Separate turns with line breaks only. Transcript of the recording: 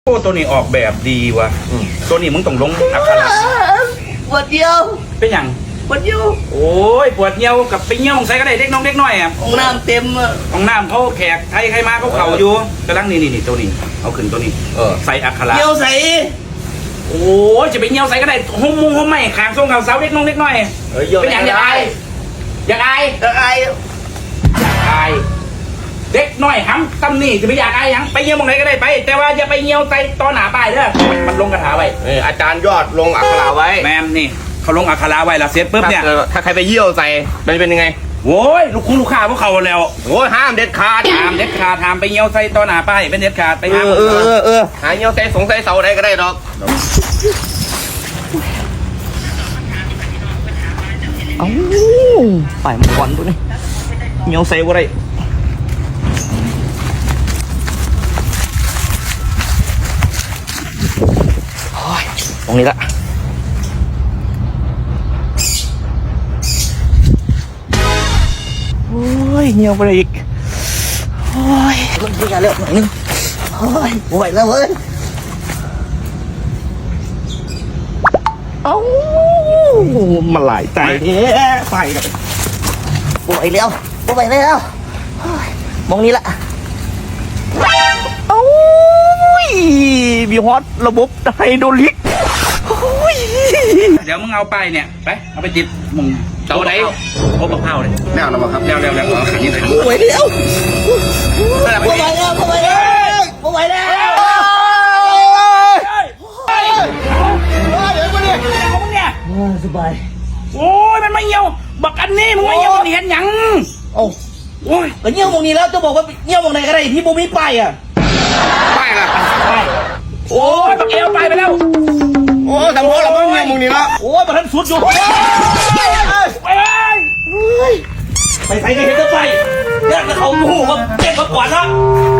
โอ้ตัวนี้ออกแบบดีว่ะตัวนี้มึงต้องลงอักขระ
ปวดเดียว
เป็นอย่าง
ปวดเดียว
โอ้ยปวดเหี่ยวกับไปเหี่ยวใส่ก็ได้เด็กน้องเด็กน้อยอ่ะ
ห้องน้ำเต็มอ่ะ
ห้องน้ำเขาแขกใครใครมาเขาเข่าอยู่กระลังนี่ตัวนี้เอาขึ้นตัวนี้ใส่อักขระ
เหี่ยวใส่
โอ้ยจะไปเหี่ยวใส่ก็ได้ห้องมุ้งห้องไม้ขางทรงเขาเสาเด็กน้องเด็กน้อยเป็นอย่างอยากอายอยากอาย
อยากอาย
อยากอายเด็กน้อยห้ำตำนี่จะไปอยากอายยังไปเหี่ยวมองไหนก็ได้ไปแต่ว่าอย่าไปเหี่ยวใส่ตอนหนาป้ายเด้อมันลงกระถาไว้
อาจารย์ยอดลงอักขระไว้
แมมนี่เขาลงอักขระไว้แล้วเสร็จปุ๊บเนี่ย
ถ้าใครไปเยี่ยวใส่เป็นยังไง
โว้ยลูกค้าพวกเขาแล้ว
โอ้ยห้ามเด็ดขาด
ห้ามไปเหี่ยวใส่ตอนหนาป้ายเป็นเด็ดขาดไปห้าม
หาเยี่ยวใส่สงสัยเสาใดก็ได้หรอก
เอ้าไปมาก่อนตัวนี้เหี่ยวใส่บ่ได้ตรงนี้ละโอ้ยเหี่ยวไปเลยอีกโอ้ยมันเป็นอะไรหน่อยนึงโอ้ยไหวแล้วเว้ยเอ้ามาหลายใจไปกับไหวแล้วมองนี้ละเอ้ามีฮอตระบบไฮโดรลิก
เดี๋ยวมึงเอาไปเนี่ยไปเอาไปติดมึงเสาไหนโอ้บักเผาเลย
แน่นอนครับ
เร็วเอาขันนี้เลย
ไหวแล้วไหวแล้วสบาย
โอ้ยมันไม่เหี่ยวบักอันนี้มึงไม่เหี่ยวนี่เห็นยัง
โอ้ยก็เหี่ยวมองนี้แล้วจะบอกว่าเหี่ยวมองไหนก็ได้ที่บูมีป้ายอ่ะ
ป้ายล่ะ
โอ้ยบักเอวไปแล้ว
โอ้ทำเพราะเราไม่เยี่ยวมึงนี่ละ
โอ้ยมันทันสุดอยู่ไปใส่กันเห็นก็ไปเนี่ยเขาหูเขาเจ็บมาก่อนละ